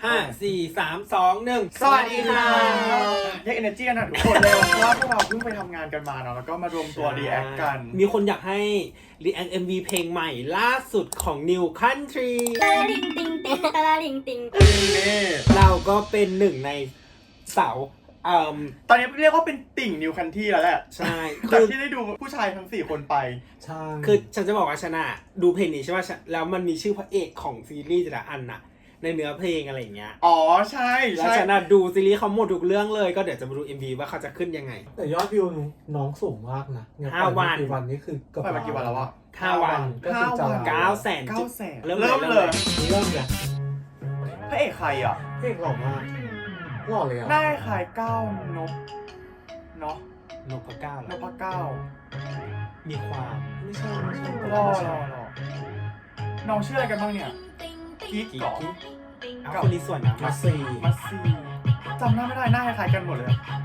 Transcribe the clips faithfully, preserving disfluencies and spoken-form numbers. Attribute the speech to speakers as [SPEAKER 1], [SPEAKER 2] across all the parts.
[SPEAKER 1] ห้าสี่สามสองหนึ่ง
[SPEAKER 2] สวัสดีค่ะเรียก energy กันหน่อยทุกคนเลยเพราะว่าพวกเราเพิ่งไปทำงานกันมาเนาะแล้วก็มารวมตัว react กัน
[SPEAKER 1] มีคนอยากให้ react เอ็ม วี เพลงใหม่ล่าสุดของ New Country
[SPEAKER 3] ตาลิงติงติงตาลิงติง
[SPEAKER 2] นี่
[SPEAKER 1] เราก็เป็นหนึ่งในเสาเอ่อ
[SPEAKER 2] ตอนนี้เรียกว่าเป็นติ่ง New Country แล้วแหละ
[SPEAKER 1] ใช่
[SPEAKER 2] จา
[SPEAKER 1] คื
[SPEAKER 2] ก
[SPEAKER 1] อ
[SPEAKER 2] ที่ได้ดูผู้ชายทั้งสี่คนไป
[SPEAKER 4] ใช่
[SPEAKER 1] คือฉันจะบอกว่าฉันอะดูเพลงนี้ใช่ป่ะฉันแล้วมันมีชื่อพระเอกของซีรีส์แต่ละอันน่ะในเนื้อเพลงอะไรอย่างเงี้ย
[SPEAKER 2] อ๋อใช่
[SPEAKER 1] แล้ว
[SPEAKER 2] ใช่
[SPEAKER 1] ฉันอะดูซีรีส์เขาหมดทุกเรื่องเลยก็เดี๋ยวจะมาดู เอ็ม วี ว่าเขาจะขึ้นยังไง
[SPEAKER 4] แต่ยอดวิวน้องสูงมากนะอย่ง
[SPEAKER 1] ห้าวัน
[SPEAKER 4] กี่วันนี่คือเกือบ
[SPEAKER 2] ไปมากี่วันแล้ววะ
[SPEAKER 1] ห้าวัน
[SPEAKER 4] ก็คือจะ
[SPEAKER 1] เก้าแสน
[SPEAKER 2] เก้าแสน
[SPEAKER 1] เริ่ม
[SPEAKER 2] เริ่ม
[SPEAKER 1] เลย
[SPEAKER 2] เลย
[SPEAKER 4] เริ่มเลย
[SPEAKER 2] พระเอกใครอ่ะ
[SPEAKER 4] เพลงหล่อมากหล่อเลยอ่ะ
[SPEAKER 2] หน้าคล้ายก้าวนบเนาะ
[SPEAKER 1] นพเก้าเหร
[SPEAKER 2] น
[SPEAKER 1] อ
[SPEAKER 2] พเก้า
[SPEAKER 1] มีความ
[SPEAKER 4] ไม่ใช่ไม่ใช่
[SPEAKER 2] รอรอรอน้องชื่ออะไรกันบ้างเนี่ยกิ๊ก
[SPEAKER 1] กิ๊
[SPEAKER 2] ก่อก
[SPEAKER 1] เอาคนนี้ส่วนนะ
[SPEAKER 4] มาซี
[SPEAKER 2] มัสซีจำหน้าไม่ได้หน้าคล้ายๆกันหมดเลย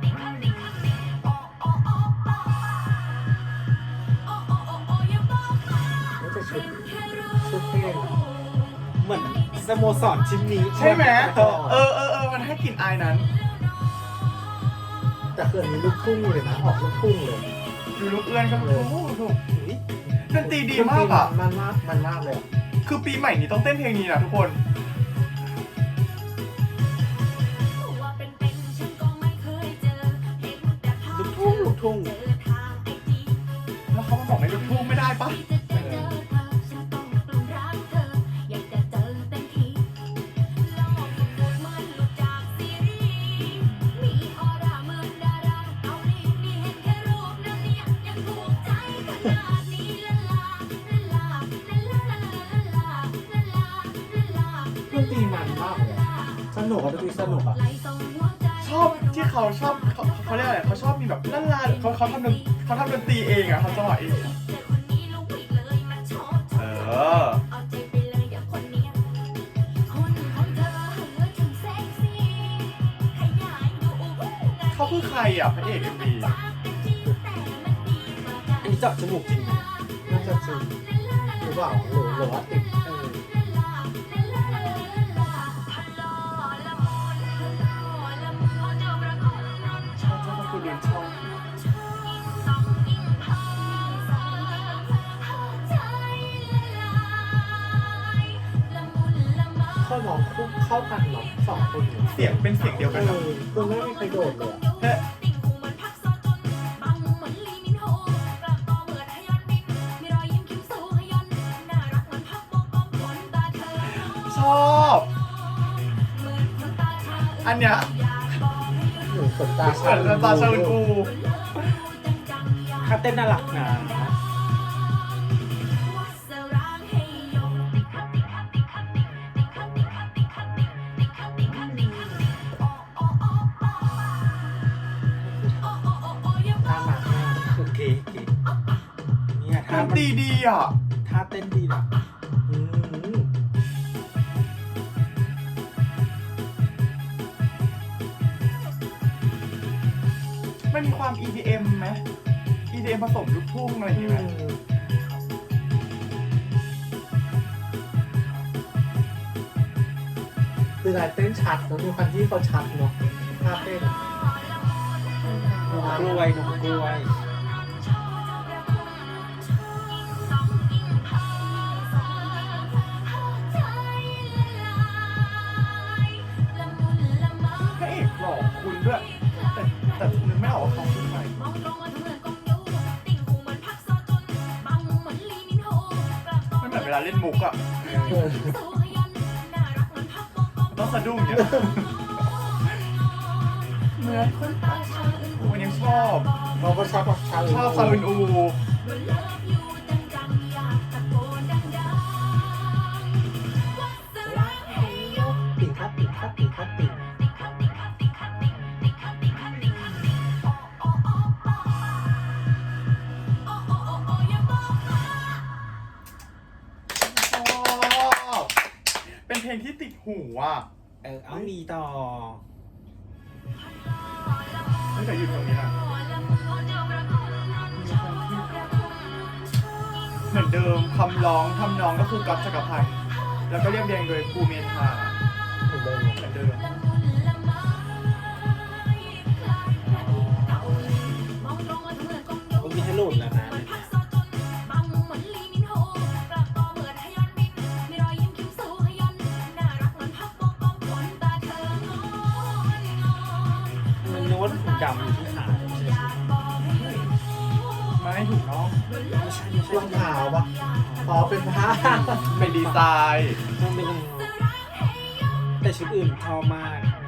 [SPEAKER 4] ไม่ใช่ชุดชุดเพลงอะ
[SPEAKER 1] เหมือนสโมสรชิ้นนี้
[SPEAKER 2] ใช่ไหมเออเออเออมันให้กลิ่นอายนั้น
[SPEAKER 4] แต่คืออันนี้ลูกทุ่งเลยนะออกลูกทุ่งเลย
[SPEAKER 2] ดูลูกเอื้อนก็ถูกถูกดนตรีดีมากอ่ะ
[SPEAKER 4] มันมากมันมากเลยอะ
[SPEAKER 2] คือปีใหม่นี้ต้องเต้นเพลงนี้นะทุกคน
[SPEAKER 1] ลูกทุ่งลูกทุ่ง
[SPEAKER 2] แล้วเขามาบอกไม่ลูกทุ่งไม่ได้ปะ
[SPEAKER 4] ดนตรีมันมากเลยอะสนุกอะดนตรีสนุกอะ
[SPEAKER 2] ชอบที่เขาชอบเขาเขาเรียกอะไรเขาชอบมีแบบลั่นลาเขาเขาทำดนเขาทำดนตรีเองอ่ะเขาจังหวะเองอะเออเขาคือใครอ่ะพระเอกเอ็มวี
[SPEAKER 1] อันนี้เจาะจมูกจริงไหม
[SPEAKER 4] น่าจะจริงหรือเปล่าหรือหรือว่าติด
[SPEAKER 1] เออ
[SPEAKER 2] ชอบชอบคือเรียนชอบ
[SPEAKER 4] เข้าน้องคู่เข้ากันเนาะสองคนเนี่ย
[SPEAKER 2] เสียงเป็นเสียงเดียว
[SPEAKER 4] เอ
[SPEAKER 2] กันนะ
[SPEAKER 4] อคือไม่มีใครโดดเลยอะ
[SPEAKER 2] เฮ้ยชอบ อันเนี้ย
[SPEAKER 4] หนูขนตา
[SPEAKER 2] เหมือนน้ำตาชาลูกู
[SPEAKER 1] ถ้าเต้นน่ารักนะ
[SPEAKER 4] ท่าหนักมาก
[SPEAKER 1] โอเคโอเคเนี่ย
[SPEAKER 2] ด
[SPEAKER 1] ท่าน
[SPEAKER 2] ตรีดีอ่ะ
[SPEAKER 1] ท่าเต้นดีนะ
[SPEAKER 4] อืม
[SPEAKER 2] มันมีความ อี ดี เอ็ม ไหม อี ดี เอ็ม ผสมลูกทุ่งอะไรอย่างงี้ไหม
[SPEAKER 4] คือลายเต้นชัดแล้วมีความที่เขาชัดเนาะภาพเต้นอะ
[SPEAKER 1] กล้วยนมกล้วย
[SPEAKER 2] พระเอกหล่อคุณด้วย แต่แต่นึกไม่ออกว่าเขาคือใครมันเหมือนเวลาเล่นมุกอ่ะ
[SPEAKER 4] เออ
[SPEAKER 2] ต้องสะดุ้งเนี่ยเหมือนคนตาชาอึนอูยังชอบ
[SPEAKER 4] เราก็ชอบชา
[SPEAKER 2] ชอบซาอึนอู
[SPEAKER 4] ติ่งครับติ่งครับติ่งครับติ่ง
[SPEAKER 2] ชอบ เป็นเพลงที่ติดหูอ่ะ
[SPEAKER 1] เออเอามีต่อ
[SPEAKER 2] ไม่แต่อยู่แถวนี้นะเหมือนเดิมคำร้องทำนองก็คือก๊อฟจักรพันธ์แล้วก็เรียบเรียงโดยภูเมธา
[SPEAKER 4] เหมือนเดิม
[SPEAKER 2] เหมือนเดิ
[SPEAKER 1] ดำๆอยู่ที่ขาใช่ไหม
[SPEAKER 2] ไม่ถูกน้อง
[SPEAKER 1] ไม่ใช่ไม่ใช่
[SPEAKER 4] รองเท้าปะอ๋อเป็นผ้า
[SPEAKER 2] เป็นดีไซน์
[SPEAKER 1] ต้องเป็นยังไงแต่ชุดอื่นชอบมาก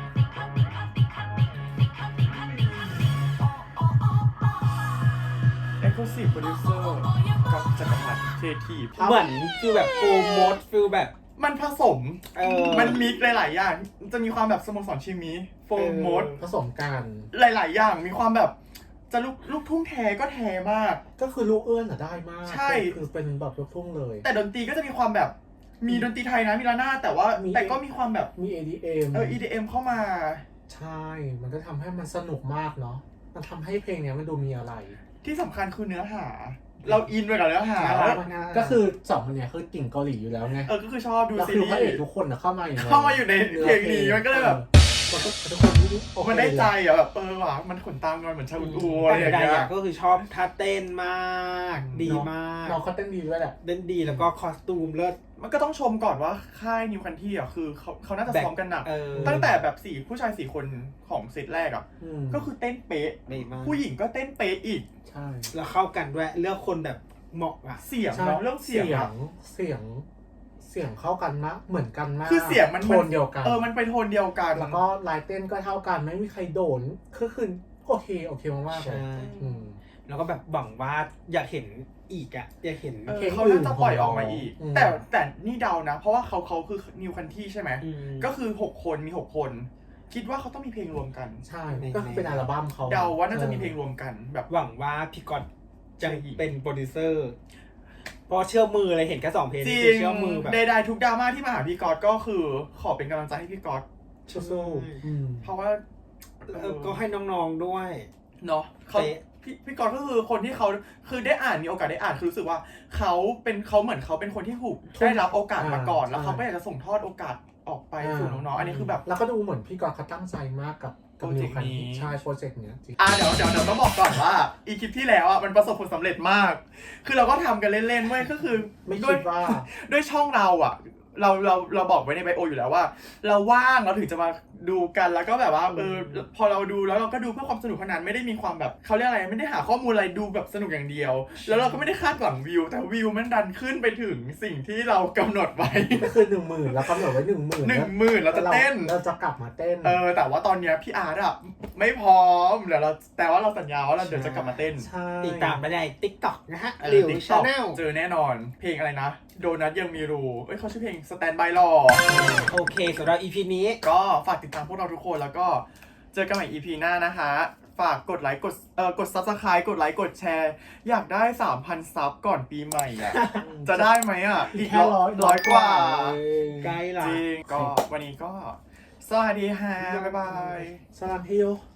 [SPEAKER 2] เอ็กซ์คลูซีฟโปรดิวเซอร์กับจักรพรรดิเททีฟ
[SPEAKER 1] เหมือนฟิลแบบโปรโมทฟิลแบบ
[SPEAKER 2] มันผสม
[SPEAKER 1] เออ
[SPEAKER 2] มันมิกซ์หลาย ๆ อย่าง จะมีความแบบสโมสรชิมิโฟร์โมด
[SPEAKER 4] ผสมกัน
[SPEAKER 2] หลาย ๆ อย่าง มีความแบบจะลูกลูกทุ่งแท้ก็แท้มาก
[SPEAKER 4] ก็คือลูกเอื้อนอะได้มาก
[SPEAKER 2] ใช่
[SPEAKER 4] คือเป็นแบบลูกทุ่งเลย
[SPEAKER 2] แต่ดนตรีก็จะมีความแบบมีดนตรีไทยนะมีระนาดแต่ว่า
[SPEAKER 4] มี
[SPEAKER 2] แต่ก็มีความแบบ
[SPEAKER 4] มี เอ ดี เอ็ม
[SPEAKER 2] เออ อี ดี เอ็ม เข้ามา
[SPEAKER 4] ใช่ มันก็ทำให้มันสนุกมากเนาะ มันทำให้เพลงเนี้ยมันดูมีอะไร
[SPEAKER 2] ที่สำคัญคือเนื้อหา เราอินไปกับเนื้อหา
[SPEAKER 1] น่ารักมาก
[SPEAKER 4] ก็คือสองคนเนี้ยคือกิ่งเกาหลีอยู่แล้วไง
[SPEAKER 2] เออ ก็คือชอบดู
[SPEAKER 4] แล้ว
[SPEAKER 2] ซี
[SPEAKER 4] คือ
[SPEAKER 2] รี
[SPEAKER 4] พระเอก
[SPEAKER 2] ส์
[SPEAKER 4] ทุกคนอะเข้ามาอยู่ใน
[SPEAKER 2] เข้ามาอยู่ในเพลงนี้มันก็เลยแบบ
[SPEAKER 4] เออมันก็ทุกคนโอเค
[SPEAKER 2] มันได้ใจอ่ะแบบเออว่ะมันขนตามกันเหมือนชาอุอูอะไรอย่าง
[SPEAKER 1] แต่
[SPEAKER 2] เงี้
[SPEAKER 1] ใดๆ
[SPEAKER 2] ย
[SPEAKER 1] อะก็คือชอบท่าเต้นมาก ดีมาก
[SPEAKER 4] น้องเขาเต้นดีด้วยแหละ
[SPEAKER 1] เต้นดีแล้วก็คอสตูมเลิศ
[SPEAKER 2] มันก็ต้องชมก่อนว่าค่ายนิวคันที่อ่ะคือเขาเขาน่าจะซ้อมกันหนัก
[SPEAKER 1] เออ
[SPEAKER 2] ตั้งแต่แบบสี่ผู้ชายสี่คนของเซตแรกอ่ะ
[SPEAKER 4] อืม
[SPEAKER 2] ก็คือเต้นเป๊ะ
[SPEAKER 1] ดีมาก
[SPEAKER 2] ผู้หญิงก็เต้นเป๊ะอีก
[SPEAKER 4] ใช่
[SPEAKER 1] แล้วเข้ากันด้วยเลือกคนแบบเหมาะอ่ะ
[SPEAKER 2] เสียง
[SPEAKER 4] ใช่
[SPEAKER 2] เนาะเรื่องเสียง
[SPEAKER 4] เสีย
[SPEAKER 2] อะ
[SPEAKER 4] ง เสียง เสียงเข้ากันมากเหมือนกันมาก
[SPEAKER 2] คือเสียงมัน
[SPEAKER 4] โทนเดียวกัน
[SPEAKER 2] เออมันไปโทนเดียวกัน
[SPEAKER 4] แล้วก็ลายเต้นก็เท่ากันไม่มีใครโดนคือคือโอเคโอเคมากๆเล
[SPEAKER 1] ใช่
[SPEAKER 4] ยอืม
[SPEAKER 1] แล้วก็แบบหวังว่าอยากเห็นอีกอ่ะ อยากเห็น
[SPEAKER 2] เออ
[SPEAKER 4] เพลง
[SPEAKER 2] เขาน่าจะปล่อยออกมาอีก
[SPEAKER 4] อืม
[SPEAKER 2] แต่แต่นี่เดานะ เพราะว่าเขาเขาคือนิวคันที่ใช่ไหม
[SPEAKER 1] ม
[SPEAKER 2] ก็คือหกคนมีหกคน คิดว่าเขาต้องมีเพลงรวมกัน
[SPEAKER 4] ใช่
[SPEAKER 1] ใน
[SPEAKER 4] ก็คือเป็นอัลบั้มเขา
[SPEAKER 2] เดาว่าน่าจะมีเพลงรวมกันแบบ
[SPEAKER 1] หวังว่าพี่กอตจะ
[SPEAKER 2] ใช่อีก
[SPEAKER 1] เป็นโปรดิวเซอร์เพราะเชื่อมือเลยเห็นแค่สองเพลง
[SPEAKER 2] จริ
[SPEAKER 1] คือง เชื่อมือแบบ
[SPEAKER 2] ใดๆทุกดราม่าที่มาหาพี่ก๊อตก็คือขอเป็นกำลังใจให้พี่ก๊อต
[SPEAKER 4] สู้ๆอืม
[SPEAKER 2] เพราะว่า
[SPEAKER 1] เออก็ให้น้องๆด้วย
[SPEAKER 2] เนาะเขา
[SPEAKER 1] เป๊ะ
[SPEAKER 2] พี่พี่ก๊อตก็คือคนที่เขาคือได้อ่านมีโอกาสได้อ่านคือรู้สึกว่าเขาเป็นเขาเหมือนเขาเป็นคนที่ถูกได้รับโอกาสมาก่อน แล้วเขาก็อยากจะส่งทอดโอกาสออกไปสู่น้องๆอันนี้คือแบบ
[SPEAKER 4] แล้วก็ดูเหมือนพี่กอล์ฟเขาตั้งใจมากกับกับ
[SPEAKER 2] โปรเจกต์
[SPEAKER 4] นิวคัน
[SPEAKER 2] นี้
[SPEAKER 4] ใช่โปรเจกต์เนี้ยจริง
[SPEAKER 2] อ่าเดี๋ยวเดี๋ยวเดี๋ยวต้องบอกก่อนว่าอีคลิปที่แล้วอ่ะมันประสบผลสำเร็จมาก คือเราก็ทำกันเล่นๆเว้ยก็คือ
[SPEAKER 4] ไม่
[SPEAKER 2] ด้ว
[SPEAKER 4] คิ
[SPEAKER 2] ย
[SPEAKER 4] ดว่า
[SPEAKER 2] ด้วยช่องเราอ่ะ เราเราเราบอกไว้ในไบโออยู่แล้วว่า เราว่างเราถึงจะมาดูกันแล้วก็แบบว่าเออพอเราดูแล้วเราก็ดูเพื่อความสนุกเท่านั้นไม่ได้มีความแบบเขาเรียกอะไรไม่ได้หาข้อมูลอะไรดูแบบสนุกอย่างเดียว แล้วเราก็ไม่ได้คาดหวังวิว แต่วิวมันดันขึ้นไปถึงสิ่งที่เรากำหนดไว้
[SPEAKER 4] ก็คือหนึ่งหมื่นแล้วกำหนดไว้หนึ่งหมื่น
[SPEAKER 2] หนึ่งหมื่นเราจะเต้น
[SPEAKER 4] เราจะกลับมาเต้น
[SPEAKER 2] เออแต่ว่าตอนเนี้ยพี่อาร์ตอ่ะไม่พร้อมเดี๋ยวเราแต่ว่าเราสัญญาว่าเราเดี๋ยวจะกลับมาเต้น
[SPEAKER 4] ใช่
[SPEAKER 1] ติดตามไปใน TikTok นะฮะ
[SPEAKER 2] เออ
[SPEAKER 1] หลิว
[SPEAKER 2] TikTok
[SPEAKER 1] ชาแนล
[SPEAKER 2] เจอแน่นอน เพลงอะไรนะ โดนัทยังมีรูเอ้ยเขาชื่อเพลง Stand by รอ
[SPEAKER 1] โอเคสำหรับ อี พี นี้
[SPEAKER 2] ก็ฝากติดตามพวกเราทุกคนแล้วก็เจอกันใหม่ อี พี หน้านะคะ ฝากกดไลค์กดเอ่อกด Subscribe กดไลค์กดแชร์ อยากได้ สามพัน ซับก่อนปีใหม่อ่ะ จะได้ไหมอ่ะ
[SPEAKER 4] อีกแค่ร้อย
[SPEAKER 2] ร้อยกว่า
[SPEAKER 1] ใกล้ละ
[SPEAKER 2] จริง ก็วันนี้ก็ สวัสดีค่ะ บ๊ายบาย
[SPEAKER 4] สลามฮิโย